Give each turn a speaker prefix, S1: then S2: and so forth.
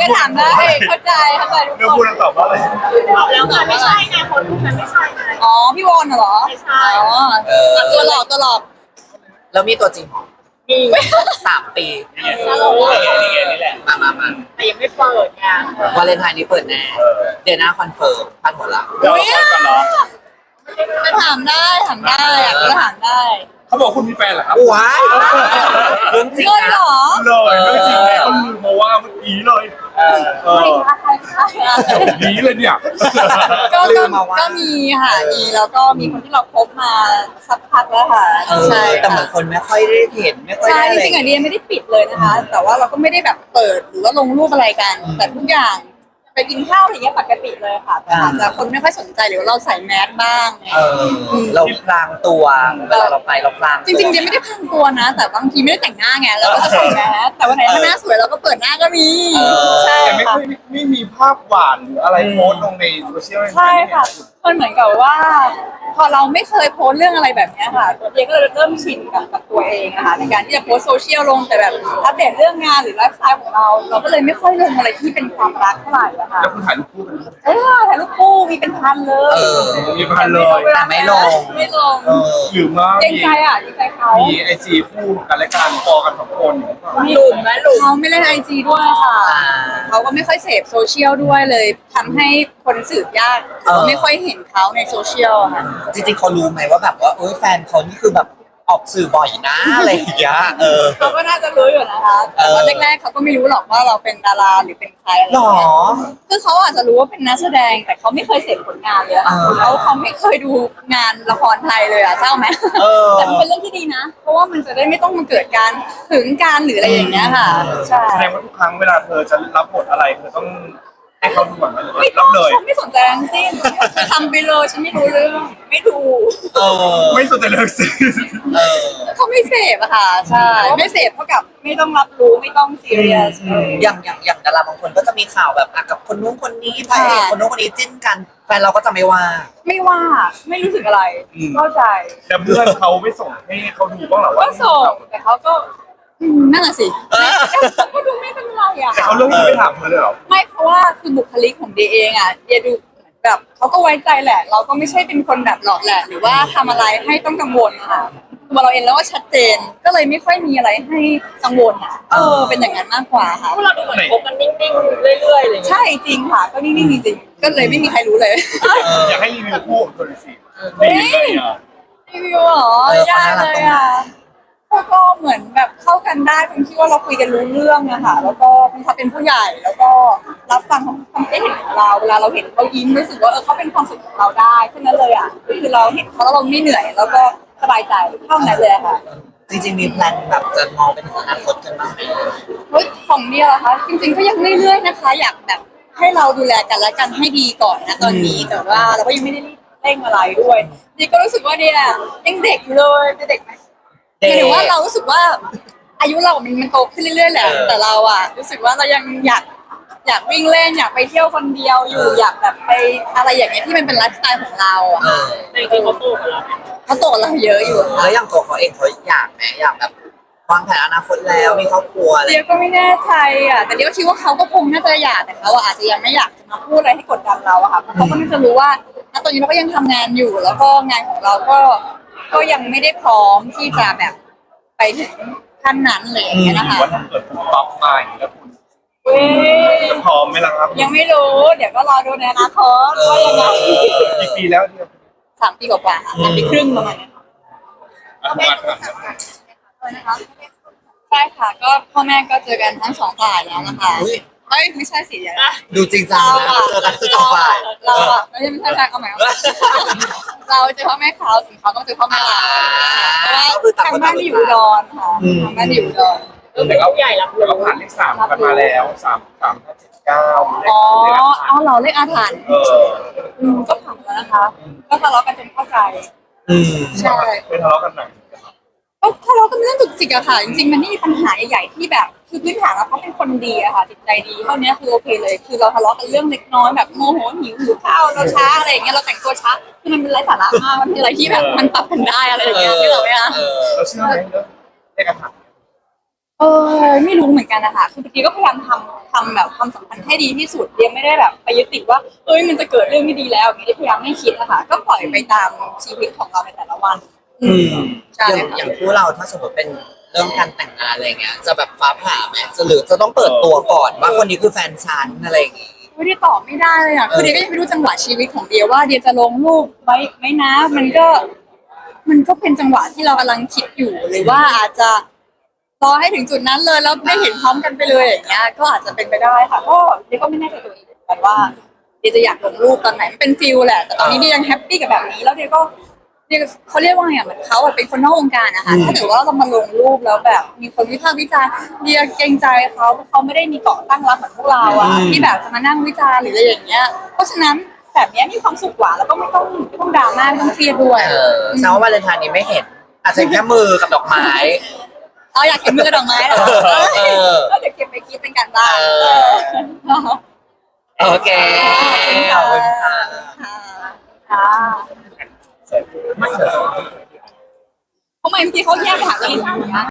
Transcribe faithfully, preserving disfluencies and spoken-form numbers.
S1: ถามได้เข้าใจเข้าใจทุก
S2: เรื่อง
S1: ค
S2: พูด
S1: น
S2: แล้วตอบว่าอะไร
S3: ตอบแล้วมันไม่ใช่ไงคนมันไม่ใช่ไง
S1: อ๋อพี่วอนเหรอ
S3: ไม่ใช่
S1: อ๋อตัวหลอกตัวหลอก
S4: แล้วมีตัวจริงเหรอ
S3: มี
S4: สามปี
S3: ตลกว่า
S2: นี่ไงนี่แหละ
S4: มามามา
S3: แต่ยังไม่เปิดไง
S4: วาเลนไทน์นี้เปิดแน่เดือนหน้าคอนเฟิร์มพาดหัวหลัง
S2: เดี๋ยวเราคนกันเหรอ
S1: จะถามได้ถามได้อยากจะถามได้
S2: เขาบอกคุณมีแฟนเหรอครับ
S4: ว้ายเรื่องจริง
S1: เฮ้ย
S4: นะ
S1: เหรอ
S2: เลยไม่จริงเลยเขาลืมมาว่าเมื่อกี้เลยเออ
S1: ใครคะใครคะ
S2: ดีเลยเนี่ย
S1: ก็ก็ก็มีค่ะมีแล้วก็มีคนที่เราคบมาสักพักแล้วค่ะ
S4: เออ
S1: ใช่
S4: แต่เหมือนคนไม่ค่อยได้เห็นไม่ค่อย
S1: ใช่
S4: ได้อะไร
S1: จริงๆอ่ะเดียไม่ได้ปิดเลยนะคะ แต่ว่าเราก็ไม่ได้แบบเปิดหรือว่าลงรูปอะไรกัน แต่ทุกอย่างไปกินข้าวอะไรเงี้ยปกติเลยค่ะแต่อาจจะคนไม่ค่อยสนใจหรือว่าเราใส่แมสบ้างไง
S4: เออเราพลางตัวเวลาเราไปเราพลาง
S1: จริงๆเดียไม่ได้พังตัวนะ แต่บางทีไม่ได้แต่งหน้าไงเราก็จะใส่แมสแต่วันไหนถ้าหน้าสวยเราก็เปิดหน้าก็มีใช่
S2: แต่ไม่
S1: ค่ะ
S2: ค่อยไม่มีภาพหวานหรืออะไรโพสต์ลงในโซเชียล
S1: ใช่ค่ะมันเหมือนกับว่า พอเราไม่เคยโพสต์เรื่องอะไรแบบเนี้ยค่ะเดียก็เลยเริ่มชินกับกับตัวเองอะค่ะในการที่จะโพสต์โซเชียลลงแต่แบบอัปเดตเรื่องงานหรือไลฟ์สไตล์ของเรา เราก็เลยไม่ค่อยลงอะไรที่เป็นความรักเท่าไหร่อะค่ะ
S2: แล้วคุณถ่ายรูปคู่กันไหม
S1: เออถ่ายรูปคู่มีเป็นพันเลย
S4: เออ
S2: มีพันเลย
S4: แต่ไม่ลง
S1: ไม่ลง
S4: เออ
S2: หรือว่า
S1: เกรง
S2: มี
S1: ใจอ่ะเกรงใจเขา
S2: มีไอจีคู่กันและการพอกันสองคนอยู่หรือเปล่า
S3: หลุมนะหลุม
S1: เขาไม่เล่นไอจีด้วยค่ะ
S4: อ่า
S1: เขาก็ไม่ค่อยเสพโซเชียลด้วยเลยทำให้คนสืบยาก
S4: เออ
S1: ไม่ค่อยเห็นเขาในโซเชียลอะค่ะ
S4: จริงๆเขารู้ไหมว่าแบบว่าเอ้ยแฟนเขานี่คือแบบออกสื่อบ่อยนะอะไรอย่างเงี้ยเออ
S1: เขาก็น่าจะรู้อยู่นะคะแต่ว่า
S4: เออ
S1: แรกๆเขาก็ไม่รู้หรอกว่าเราเป็นดาราหรือเป็นใครอะไร
S4: หรอ
S1: เงี้ยคือเขาอาจจะรู้ว่าเป็นนักแสดงแต่เขาไม่เคยเสพผลงานเลยอะ
S4: อ่า
S1: เขาเขาไม่เคยดูงานละครไทยเลยอะเศร้าไหม
S4: เออ
S1: แต่มันเป็นเรื่องที่ดีนะ เพราะว่ามันจะได้ไม่ต้องมาเกิดการหึงการหรืออะไรอย่างเงี้ยค่ะใช่
S2: แสดงว่าทุกครั้งเวลาเธอจะรับบทอะไรเธอต้องให้เขาดูก่อนไหมหรือว่า
S1: ไม่ต้
S2: รั
S1: อง
S2: บเลย
S1: ฉันไม่สนใจทั้งสิ้นทำไปเลยฉันไม่รู้เรื่องไม่ดู
S4: เออ
S2: ไม่สนใจเลยสิ
S4: เออ
S1: เขาไม่เสพอะค่ะใช่ไม่เสพเท่ากับไม่ต้องรับรู้ไม่ต้องซีเรียส
S4: อย่างอย่างอย่างดาราบางคนก็จะมีข่าวแบบอ่ะกับคนนู้นคนนี้พระเอกคนนู้นคนนี้จิ้นกันแฟนเราก็จะไม่ว่า
S1: ไม่ว่าไม่รู้สึกอะไรเข้าใจ
S2: แต่เพื่อนเขาไม่ส่งให้เขาดูบ้างเหรอว่า
S1: ก็ส่งแต่เขาก็อืมนั่นแหละสิเขาก็ดูไม่เป็นไรอะ
S2: แต่เขาเลือกที่จะไม่ถามเธอเลยเหรอ
S1: ไม่เพราะว่าคือบุคลิกของเดียเองอะเดียดูแบบเขาก็ไว้ใจแหละ เราก็ไม่ใช่เป็นคนแบบหลอกแหละหรือว่าทำอะไรให้ต้องกังวลค่ะตัวเราเองแล้วก็ชัดเจนก็เลยไม่ค่อยมีอะไรให้กังวลอะเออเป็นอย่างนั้นมากกว่าค่ะ
S3: พวกเราดูเหมือนคบกันนิ่งๆเรื่อยๆอะไรอย่างเงี้ย
S1: ใช่จริงค่ะ ก็นิ่งๆจริงๆก็เลยไม่มีใครรู้เลย
S2: อยากให้รีวิวคู่ของเธอหน่อยสิดีเลยอ่ะ
S1: รีวิวเหรอ
S4: เออเขา
S1: ยาก
S4: น่ารัก
S1: เล
S4: ตร
S1: ย
S4: งไหน
S1: อ่ะก็ก็เหมือนแบบเข้ากันได้ตรงที่ว่าเราคุยกันรู้เรื่องอะค่ะ แล้วก็เขาเป็นผู้ใหญ่แล้วก็รับฟังความคิดเห็นของเราเวลาเราเห็นเขายิ้มรู้สึกว่าเออเขาเป็นความสุขของเราได้แค่นั้นเลยอ่ะคือเราเห็นเขาแล้วเราไม่เหนื่อย แล้วก็สบายใจเท่านั้นเลยค่ะ
S4: จริงๆมีแพลนแบบจะมองไปถึงอนาคตกันบ้างไหม
S1: เฮ้ยของเนี่ยเหรอคะจริงๆก็ยังเรื่อยๆนะคะ อยากแบบให้เราดูแลกันและกันให้ดีก่อนนะตอนนี้แต่ว่าเราก็ยังไม่ได้รีบเร่งอะไรด้วยนี่ก็รู้สึกว่าเนี่ยยังเด็กอยู่เลยเป็นเด็กไหม หมายถึงว่าเรารู้สึกว่าอายุเรามันมันโตขึ้นเรื่อยๆแหละ แต่เราอะรู้สึกว่าเรายังอยากอยากวิ่งเล่นอยากไปเที่ยวคนเดียวอยู่อยากแบบไปอะไรอย่างเงี้ยที่มันเป็นไลฟ์สไตล์ของเราอะ
S4: เออ
S3: แต่จริงๆเขาโตกว่าเรา
S1: เขาโตกว่าเราเยอะอยู่ค่ะ
S4: แล้วอย่างตัวเขาเองเขาอยากไหมอยากแบบวางแผนอนาคตแล้วมีครอบครัวอะไร
S1: เดียวก็ไม่แน่ใจอะแต่เดียวคิดว่าเขาก็คงน่าจะอยากแต่เขาอะอาจจะยังไม่อยากจะมาพูดอะไรให้กดดันเราอะค่ะเพราะเขาก็น่าจะรู้ว่าณตอนนี้เราก็ยังทำงานอยู่ แล้วก็งานของเราก็ก็ยังไม่ได้พร้อมที่จะแบบไปถึงขั้นนั้นเลยอย่างเงี้ย
S2: ห
S1: นะ
S2: รือ
S1: คะ
S2: ว่าถ้าเกิดคุณป๊อปมาอย่างนี้แล้วคุณ
S1: เว้ย
S2: จะพร้อมไหมล่ะครับ
S1: ยังไม่รู้ เดี๋ยวก็รอดูในอนาคตว่ายังไง
S2: กี่ปีแล้วเนี่ย
S1: สามปีกว่าๆค่ะสามปีครึ่งประมาณเนี้ยค่ะ
S2: อ่ะมาครับ
S1: ใช่ค่ะ ก็พ่อแม่ก็เจอกันทั้งสองฝ่ายแล้วนะคะ
S4: อุ๊ย
S1: เอ้ยไม่ใช่สิเดี๋ยวนะ
S4: ดูจริงจัง
S1: เรา
S4: นะ
S1: อะ
S4: เจอกันคือสองฝ่าย
S1: เราอะไม่ใช่ไม่ใช่ใช่เอาใหม่เอาใหม่เราเจอพ่อแม่เขาส่วนเขาก็เจอพ่อแม่เราเพราะว่าทางบ้านที่อยู่อุดรค่ะทางบ้านที่อยู่อุดร
S3: เออเป็นผู้ใหญ่รับ
S2: แต่
S3: รู้
S2: เราผ่านเลขสามกันมาแล้วสามสามห้าเจ็ดเก้าเลข
S1: อ๋อ
S2: เลขอาถรร
S1: เอา
S2: พ์
S1: เราเลขอาถรรพ์
S2: เออ
S1: อืมก็ผ่านแล้วนะคะ ก็ทะเลาะกันจนเข้าใจ
S4: อืม
S1: ใช่
S2: ไม่ทะเลาะกันหนัก
S1: ก็ทะเลาะกันเรื่องจุกจิกอะค่ะจริงๆมันไม่มีปัญหาใหญ่ๆที่แบบคือพื้นฐานแล้วเขาเป็นคนดีอะค่ะจิตใจดีเท่านี้คือโอเคเลย คือเราทะเลาะกันเรื่องเล็กน้อยแบบโมโหหิวหิวข้าวเราช้าอะไรอย่างเงี้ยเราแต่งตัวช้าคือมันเป็นไร้สาระมากมันเป็นอะไรที่แบบมันปรับกันได้อะไรอย่างเงี้ยที่เราไม่อะ
S4: เออ
S2: เราเชื่อไหมเรื่องเลขอาถรรพ์
S1: เออไม่รู้เหมือนกันนะคะคือเมื่อกี้ก็พยายามทำทำแบบความสัมพันธ์ให้ดีที่สุดเดียไม่ได้แบบไปยึดติดว่าเอ้ยมันจะเกิดเรื่องไม่ดีแล้วอย่างนี้พยายามไม่คิดนะคะก็ปล่อยไปตามชีวิตของเราในแต่ละวัน
S4: อืม
S1: ใช่
S4: อย่าง
S1: ค่ะ
S4: อย่างคู่เราถ้าสมมติเป็นเรื่องการแต่งงานอะไรเงี้ยจะแบบฟ้าผ่าไหมจะหรือจะต้องเปิดตัวก่อนว่าคนนี้คือแฟนฉันอะไรอย่างงี้
S1: ไม่ได้ตอบไม่ได้เลยอ่ะคือเดียก็ยังไม่รู้จังหวะชีวิตของเดียว่าเดียจะลงรูปไว้ไหมนะมันก็ มันก็เป็นจังหวะที่เรากำลังคิดอยู่หรือว่าอาจจะรอให้ถึงจุดนั้นเลยแล้วได้เห็นพร้อมกันไปเลยอย่างเงี้ยก็อาจจะเป็นไปได้ค่ะก็เดียก็ไม่แน่ใจตัวเองเหมือนกันว่าเดียจะอยากลงรูปตอนไหนมันเป็นฟิลแหละแต่ตอนนี้เดียยังแฮปปี้กับแบบนี้แล้วเดียก็เดียเขาเรียกว่าไงอะเหมือนเขาอะเป็นคนนอกวงการนะคะถ้าเกิดว่าเรามาลงรูปแล้วแบบมีคนวิพากษ์วิจารณ์เดียเกรงใจเขาเพราะเขาไม่ได้มีเกาะตั้งรับเหมือนพวกเราอะที่แบบจะมานั่งวิจารณ์หรืออะไรอย่างเงี้ยเพราะฉะนั้นแบบเนี้ยมีความสุขกว่าแล้วก็ไม่ต้องไม่ต้องดราม่าไม่ต้องเครียดด้วย
S4: เออแซวาวาเลนไทน์นี้ไม่เห็น อาจจะแค่มือกับดอกไม้
S1: เราอยากเห็นมือกระดอกไม้เหรอ
S4: เออ
S1: ก็เดี๋ยวเก็บไปคิดเป็นการบ้าน
S4: เออ โอเคขอบคุณค่ะ
S1: ค่ะค่ะทำไมเมื่อกี้เขาแยกไปหาลิซ่าเหมือนกัน